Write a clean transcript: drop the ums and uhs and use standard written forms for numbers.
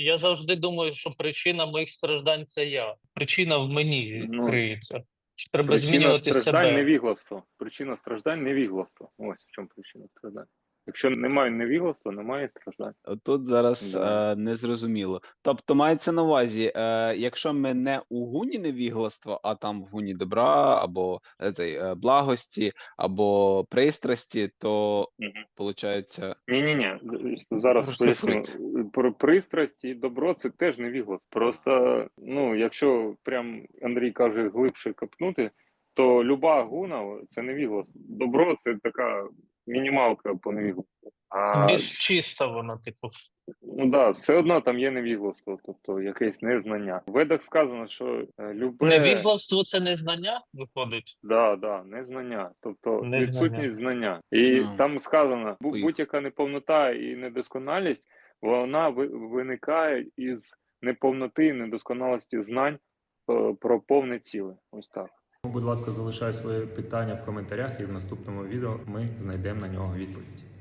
Я завжди думаю, що причина моїх страждань це я. Причина в мені Ну, криється. Що треба причина змінювати страждань себе. невігластво. Причина страждань невігластво. Ось в чому причина страждань. Якщо немає невігластва, немає страждань. Тут зараз Да. незрозуміло. Тобто мається на увазі, якщо ми не у гуні невігластва, а там в гуні добра, або благості, або пристрасті, то Мгм. получається Ні-ні-ні, зараз поясню. розшифруйте. Про пристрасть і добро це теж невігластво. Просто, ну, якщо прям Андрій каже глибше копнути, то люба гуна це невігластво. Добро це така мінімалка по невігластву. А Більш чисто воно, типу. ну да, все одно там є невігластво, тобто якесь незнання. В Ведах сказано, що любе Невігластво це не знання, виходить? да, незнання, тобто Незнання. відсутність знання. І Ну, там сказано, поїхали. будь-яка неповнота і недосконалість, вона виникає із неповноти і недосконалості знань про повне ціле. Ось так. Будь ласка, залишай своє питання в коментарях, і в наступному відео ми знайдемо на нього відповідь.